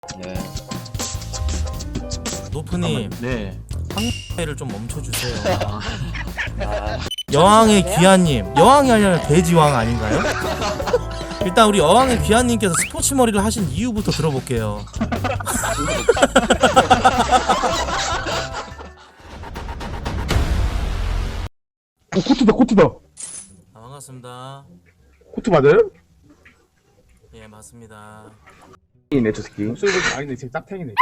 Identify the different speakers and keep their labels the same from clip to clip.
Speaker 1: 네.
Speaker 2: 노프님
Speaker 1: 네.
Speaker 2: 회를 좀 멈춰주세요. 여왕의 귀하님, 여왕이 아니라 돼지왕 아닌가요? 일단 우리 여왕의 귀하님께서 스포츠 머리를 하신 이유부터 들어볼게요.
Speaker 3: 코트다 코트다.
Speaker 2: 아, 반갑습니다.
Speaker 3: 코트 맞아요?
Speaker 2: 예, 맞습니다.
Speaker 3: 이네 저 새끼. 목소리 보니까 아니네 지금 짝탱이네.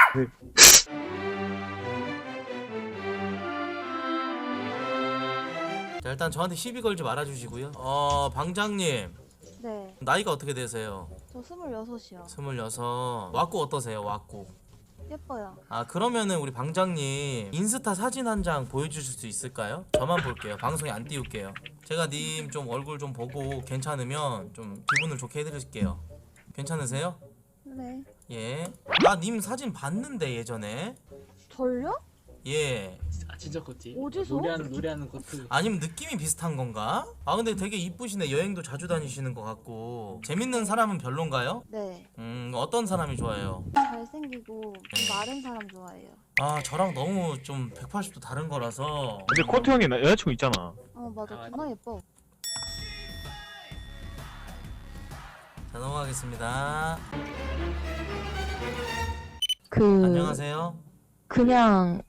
Speaker 2: 자, 일단 저한테 시비 걸지 말아주시고요. 방장님
Speaker 4: 네,
Speaker 2: 나이가 어떻게 되세요?
Speaker 4: 저 26이요.
Speaker 2: 26. 왁구 어떠세요? 왁구.
Speaker 4: 예뻐요.
Speaker 2: 아, 그러면은 우리 방장님 인스타 사진 한 장 보여주실 수 있을까요? 저만 볼게요. 방송에 안 띄울게요. 제가 님 좀 얼굴 좀 보고 괜찮으면 좀 기분을 좋게 해드릴게요. 괜찮으세요?
Speaker 4: 네.
Speaker 2: 예. 나 님 사진 봤는데 예전에.
Speaker 4: 절요?
Speaker 2: 예.
Speaker 1: 아 진짜 코트.
Speaker 4: 어디서?
Speaker 1: 노래하는 코트.
Speaker 2: 아니면 느낌이 비슷한 건가? 아, 근데 되게 이쁘시네. 여행도 자주 다니시는 것 같고. 재밌는 사람은 별론가요?
Speaker 4: 네.
Speaker 2: 어떤 사람이 좋아해요?
Speaker 4: 잘생기고 좀 마른 사람 좋아해요.
Speaker 2: 아, 저랑 너무 좀 180도 다른 거라서.
Speaker 3: 근데 코트 형이 여자친구 있잖아.
Speaker 4: 맞아.
Speaker 1: 아,
Speaker 4: 존나 예뻐.
Speaker 2: 자, 넘어가겠습니다.
Speaker 5: 안녕하세요.
Speaker 2: 안녕하세요.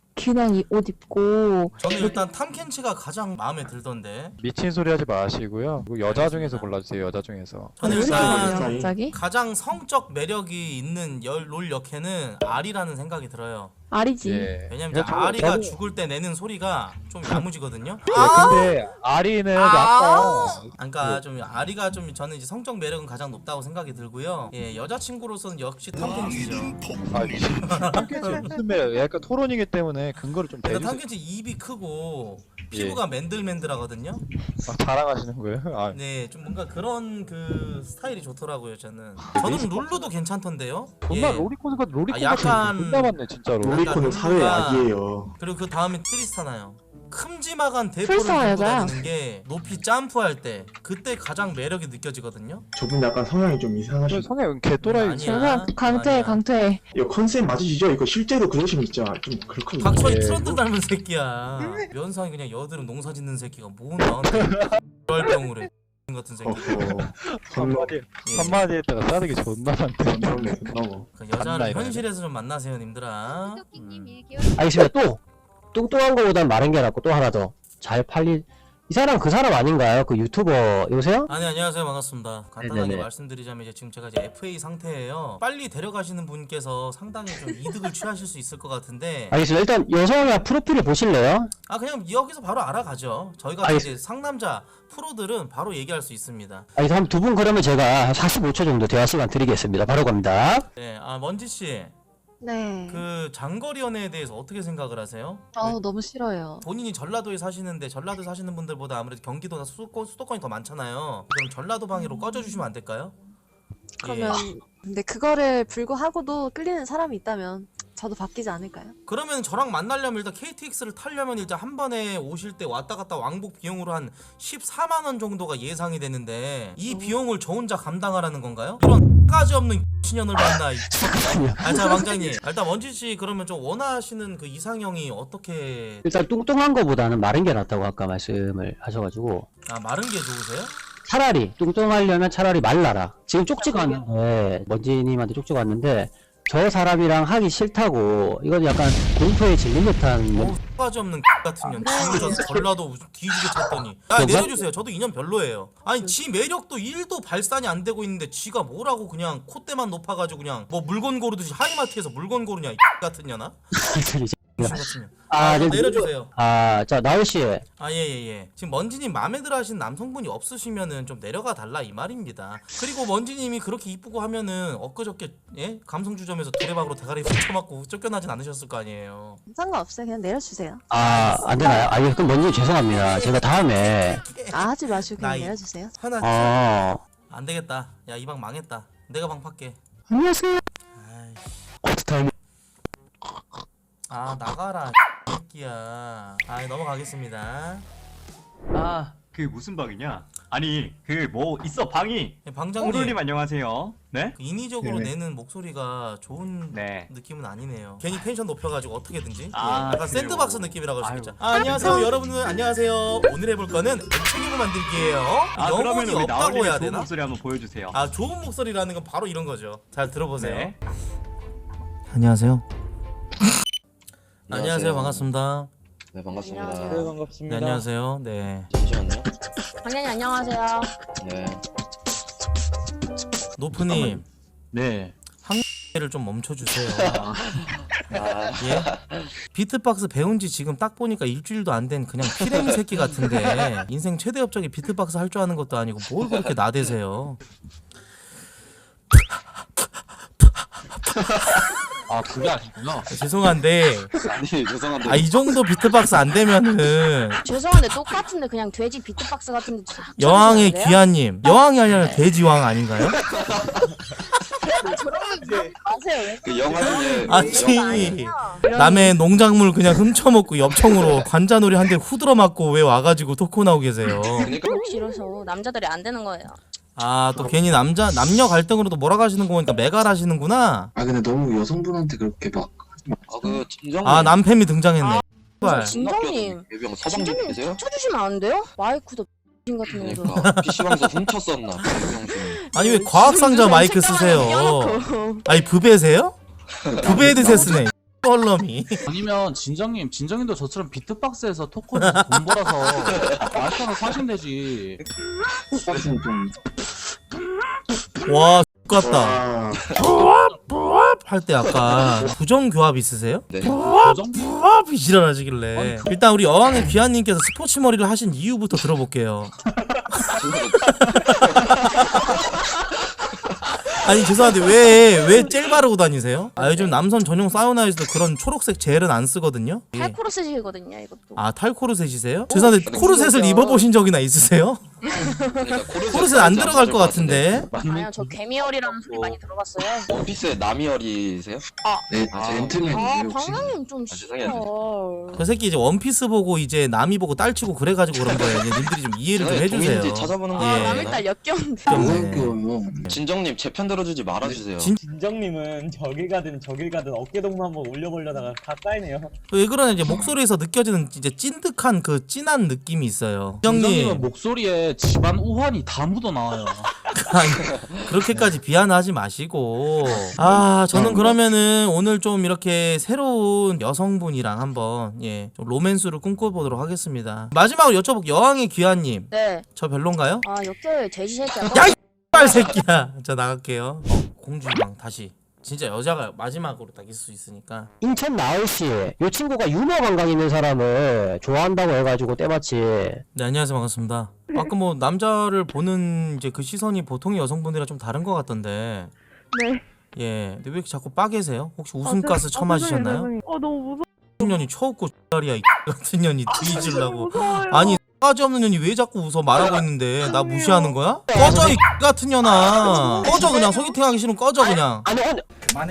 Speaker 5: 그냥 이 옷 입고
Speaker 2: 저는 일단 탐켄치가 가장 마음에 들던데.
Speaker 6: 미친 소리 하지 마시고요. 그리고 여자
Speaker 2: 알겠습니다.
Speaker 6: 중에서 골라주세요. 여자 중에서.
Speaker 2: 저는
Speaker 5: 왜
Speaker 2: 일단
Speaker 5: 그러세요, 갑자기?
Speaker 2: 가장 성적 매력이 있는 롤 역해는 아리라는 생각이 들어요.
Speaker 5: 아리지.
Speaker 6: 예.
Speaker 2: 왜냐면 이제 아리가 죽을 때 내는 소리가 좀 야무지거든요.
Speaker 6: 근데 아리는 아까
Speaker 2: 그러니까 좀 아리가 좀 저는 이제 성적 매력은 가장 높다고 생각이 들고요. 예, 여자친구로서는 역시 탐켄치죠.
Speaker 6: 아 미친. 탐켄치 무슨 매력? 약간 토론이기 때문에 근거를 좀
Speaker 2: 근데
Speaker 6: 대주세요.
Speaker 2: 탐켄치 입이 크고 피부가 맨들맨들하거든요.
Speaker 6: 아, 자랑하시는 거예요? 아,
Speaker 2: 네, 좀 뭔가 그런 그 스타일이 좋더라고요. 저는 룰루도 괜찮던데요.
Speaker 6: 존나
Speaker 2: 예.
Speaker 6: 로리콘 같은 로리콘
Speaker 2: 아,
Speaker 6: 같은
Speaker 2: 약간-
Speaker 6: 거 존나 많네 진짜로.
Speaker 2: 로리콘은 사회
Speaker 3: 악이에요.
Speaker 2: 그리고 그 다음에 트리스타나요. 큼지막한 대포를
Speaker 5: 트리스타나
Speaker 2: 들고
Speaker 5: 여자야.
Speaker 2: 다니는 게 높이 점프할 때 그때 가장 매력이 느껴지거든요.
Speaker 7: 저분 약간 성향이 좀 이상하신.
Speaker 6: 성형 개또라이.
Speaker 2: 아니야.
Speaker 5: 제가 강퇴
Speaker 2: 아니야.
Speaker 5: 강퇴.
Speaker 7: 이거 컨셉 맞으시죠? 이거 실제로 그러시면 진짜 좀 그렇거든요.
Speaker 2: 박철이
Speaker 6: 예.
Speaker 2: 트런드 닮은 새끼야. 면상이 그냥 여드름 농사 짓는 새끼가 뭐 나한테 월병으로 같은 새끼.
Speaker 7: 어허.
Speaker 6: 한마디
Speaker 2: 예.
Speaker 6: 한마디 했다가 싸대기 존나 많대.
Speaker 7: 건너네, 건너.
Speaker 2: 그 여자를
Speaker 6: 간다, 이거는.
Speaker 2: 현실에서 좀 만나세요, 님들아.
Speaker 8: 알겠습니다. 또 뚱뚱한 거보단 마른 게 낫고 또 하나 더 잘 팔릴 이 사람 그 사람 아닌가요? 그 유튜버 여보세요?
Speaker 2: 아니, 안녕하세요. 반갑습니다. 간단하게
Speaker 8: 네네네.
Speaker 2: 말씀드리자면 이제 지금 제가 이제 FA 상태예요. 빨리 데려가시는 분께서 상당히 좀 이득을 취하실 수 있을 것 같은데,
Speaker 8: 알겠습니다. 일단 여성의 프로필을 보실래요?
Speaker 2: 아, 그냥 여기서 바로 알아가죠. 저희가
Speaker 8: 알겠습니다.
Speaker 2: 이제 상남자 프로들은 바로 얘기할 수 있습니다.
Speaker 8: 알겠습니다. 한 두 분 그러면 제가 한 45초 정도 대화 시간 드리겠습니다. 바로 갑니다.
Speaker 2: 네, 아, 먼지 씨,
Speaker 5: 네.
Speaker 2: 그 장거리 연애에 대해서 어떻게 생각을 하세요?
Speaker 5: 너무 싫어요.
Speaker 2: 본인이 전라도에 사시는데 전라도 사시는 분들보다 아무래도 경기도나 수도권이 더 많잖아요. 그럼 전라도 방위로 꺼져주시면 안 될까요?
Speaker 9: 그러면 근데 그거를 불구하고도 끌리는 사람이 있다면 저도 바뀌지 않을까요?
Speaker 2: 그러면 저랑 만나려면 일단 KTX를 타려면 일단 한 번에 오실 때 왔다 갔다 왕복 비용으로 한 14만 원 정도가 예상이 되는데 이 비용을 저 혼자 감당하라는 건가요? 이런 까지 없는 신년을 만나. 자, 왕장님, 일단 원진 씨 그러면 좀 원하시는 그 이상형이 어떻게?
Speaker 8: 일단 뚱뚱한 거보다는 마른 게 낫다고 아까 말씀을 하셔가지고
Speaker 2: 아, 마른 게 좋으세요?
Speaker 8: 차라리 뚱뚱하려면 차라리 말라라. 지금 쪽지가 왔는데 먼지님한테 쪽지가 왔는데 저 사람이랑 하기 싫다고 이건 약간 공포에 질린 듯한
Speaker 2: 까지 없는 같은 년 지우져서 전라도 뒤지게 쳤더니 야, 내려주세요. 저도 인연 별로예요. 아니, 지 매력도 1도 발산이 안 되고 있는데 지가 뭐라고 그냥 콧대만 높아가지고 그냥 뭐 물건 고르듯이 하이마트에서 물건 고르냐 이 같은 년아? 무슨 같은 년.
Speaker 8: 네,
Speaker 2: 내려주세요.
Speaker 8: 자 나울씨
Speaker 2: 아, 예. 지금 먼지님 마음에 들어 하시는 남성분이 없으시면은 좀 내려가 달라 이 말입니다. 그리고 먼지님이 그렇게 이쁘고 하면은 엊그저께 예? 감성주점에서 두레박으로 대가리 훔쳐맞고 쫓겨나진 않으셨을 거 아니에요.
Speaker 9: 상관없어요. 그냥 내려주세요.
Speaker 8: 안 되나요? 예, 그럼 먼저 죄송합니다. 제가 다음에
Speaker 9: 하지 마시고 그냥
Speaker 2: 나이.
Speaker 9: 내려주세요.
Speaker 2: 하나 안 되겠다. 야, 이 방 망했다. 내가 방 팔게.
Speaker 8: 안녕하세요.
Speaker 2: 아이, 나가라 새끼야. 넘어가겠습니다.
Speaker 10: 그 무슨 방이냐? 아니 그 뭐 있어 방이.
Speaker 2: 예, 방장님
Speaker 10: 호돌님 안녕하세요. 네?
Speaker 2: 그 인위적으로
Speaker 3: 네네.
Speaker 2: 내는 목소리가 좋은
Speaker 10: 네.
Speaker 2: 느낌은 아니네요. 괜히 텐션 높여가지고 어떻게든지
Speaker 10: 아,
Speaker 2: 약간
Speaker 10: 그래요?
Speaker 2: 샌드박스 느낌이라고 할 수
Speaker 10: 아유.
Speaker 2: 있죠. 안녕하세요 여러분들 안녕하세요. 오늘 해볼 거는 액체기구 만들기예요.
Speaker 10: 아
Speaker 2: 영혼이
Speaker 10: 그러면 우리
Speaker 2: 없다고
Speaker 10: 나얼님의
Speaker 2: 해야
Speaker 10: 좋은
Speaker 2: 되나?
Speaker 10: 목소리 한번 보여주세요.
Speaker 2: 아 좋은 목소리라는 건 바로 이런 거죠. 잘 들어보세요.
Speaker 10: 네.
Speaker 2: 안녕하세요. 안녕하세요 반갑습니다.
Speaker 11: 네 반갑습니다.
Speaker 9: 안녕하세요.
Speaker 6: 네 반갑습니다.
Speaker 2: 네, 안녕하세요. 네.
Speaker 11: 잠시만요.
Speaker 9: 당연히 안녕하세요.
Speaker 11: 네.
Speaker 2: 노프님
Speaker 6: 네.
Speaker 2: 를 좀 멈춰주세요.
Speaker 11: 아,
Speaker 2: 예? 비트박스 배운 지 지금 딱 보니까 일주일도 안 된 그냥 피레미 새끼 같은데 인생 최대 업적이 비트박스 할 줄 아는 것도 아니고 뭘 그렇게 나대세요.
Speaker 6: 아 그게 아니구나.
Speaker 2: 죄송한데
Speaker 11: 아니 죄송한데.
Speaker 2: 아 이 정도 비트박스 안 되면은
Speaker 9: 죄송한데 똑같은데 그냥 돼지 비트박스 같은데
Speaker 2: 여왕의 귀하님 여왕이 아니라 돼지왕 아닌가요?
Speaker 9: 아세요 왜?
Speaker 11: 그 영화 중에
Speaker 2: 아니 남의 농작물 그냥 훔쳐먹고 엽청으로 관자놀이 한 대 후들어 맞고 왜 와가지고 토크 나오고 계세요.
Speaker 11: 그러니까
Speaker 9: 싫어서 남자들이 안 되는 거예요.
Speaker 2: 아 또 괜히 남녀 갈등으로도 몰아가시는 거 보니까 매갈하시는구나.
Speaker 7: 아 근데 너무 여성분한테 그렇게 막
Speaker 11: 그 진정.
Speaker 2: 아 남팸이 등장했네. 씨발.
Speaker 9: 진정님.
Speaker 11: 예병 서방님
Speaker 9: 진정님
Speaker 11: 계세요?
Speaker 9: 쳐주시면 안 돼요? 마이크도 X 같은 놈도.
Speaker 11: 그러니까 PC방에서 훔쳤었나 예병신.
Speaker 2: 아니 왜 과학상자 마이크 쓰세요? 아니 부배세요? 부배 드세스네. 뻘럼이.
Speaker 1: 아니면 진정님도 저처럼 비트박스에서 토크에서 돈 벌어서 마이크 하나 사시면 되지.
Speaker 7: 박스는 좀
Speaker 2: 와 X같다.
Speaker 7: 아,
Speaker 2: 할 때 약간 부정교합 있으세요?
Speaker 11: 네.
Speaker 2: 부합이 지랄하시길래 일단 우리 여왕의 귀하님께서 스포츠 머리를 하신 이유부터 들어볼게요. 아니 죄송한데 왜 젤 바르고 다니세요? 아 요즘 남성 전용 사우나에서도 그런 초록색 젤은 안 쓰거든요. 예.
Speaker 9: 탈코르셋이거든요 이것도.
Speaker 2: 아 탈코르셋이세요? 죄송한데 코르셋을 입어보신 적이나 있으세요?
Speaker 11: 그러니까
Speaker 2: 코르셋 안 들어갈 것 같은데.
Speaker 9: 아니요 저 개미열이라는 소리 많이 들어봤어요.
Speaker 11: 원피스의 나미열이세요?
Speaker 7: 네, 제 앤트맨이에요 혹시?
Speaker 9: 방장님 좀
Speaker 11: 죄송해요.
Speaker 2: 그 새끼 이제 원피스 보고 이제 남이 보고 딸치고 그래가지고 그런 거예요. 이제 님들이 좀 이해를 좀 해주세요.
Speaker 11: 동인지 찾아보는 거.
Speaker 2: 예.
Speaker 9: 남일딸 역겨운데.
Speaker 7: 뭐야 그거요?
Speaker 11: 진정님 제 편 들어주지 말아주세요.
Speaker 1: 진정님은 저길 가든 어깨동무 한번 올려보려다가 다 까이네요.
Speaker 2: 왜 그러냐 이제 목소리에서 느껴지는 이제 찐득한 그 찐한 느낌이 있어요. 형님
Speaker 1: 목소리에 집안 우환이 다 묻어나와요.
Speaker 2: 그렇게까지 비하하지 마시고 아 저는 그러면은 오늘 좀 이렇게 새로운 여성분이랑 한번 좀 로맨스를 꿈꿔보도록 하겠습니다. 마지막으로 여쭤볼게요. 여왕의 귀하님
Speaker 9: 네.
Speaker 2: 저 별론가요?
Speaker 9: 아 역겨워요 돼지 새끼야.
Speaker 2: 야 이빨 새끼야. 저 나갈게요. 공주랑 다시 진짜 여자가 마지막으로 딱 있을 수 있으니까.
Speaker 8: 인천 나을씨, 요 친구가 유머 감각 있는 사람을 좋아한다고 해가지고 때마치.
Speaker 2: 네 안녕하세요 반갑습니다. 아까 뭐 남자를 보는 이제 그 시선이 보통의 여성분들이랑 좀 다른 것 같던데.
Speaker 4: 네.
Speaker 2: 예. 근데 왜 이렇게 자꾸 빠개세요? 혹시 웃음가스 처마시셨나요?
Speaker 4: 너무 무서워.
Speaker 2: 년이 쳐웃고 X다리야 이 같은 년이 뒤질라고. 아니 까지 없는 년이 왜 자꾸 웃어 말하고 있는데 나 무시하는 거야? 꺼져 이 같은 년아. 꺼져 그냥 소개팅 하기 싫으면 꺼져 그냥.
Speaker 8: 아니,
Speaker 1: 그만해.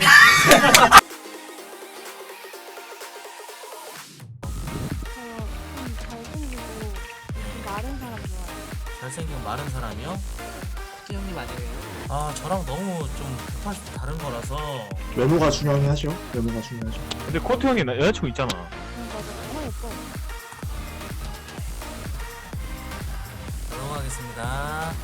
Speaker 4: 잘생기고 좀 마른 사람 좋아해요.
Speaker 2: 잘생긴 마른 사람이요?
Speaker 1: 형님 아니에요?
Speaker 2: 아 저랑 너무 좀 180도 다른 거라서.
Speaker 7: 외모가 중요하죠. 외모가 중요하죠.
Speaker 3: 근데 코트 형이 여자친구 있잖아.
Speaker 4: 맞아. 너무 예뻐.
Speaker 2: 넘어가겠습니다.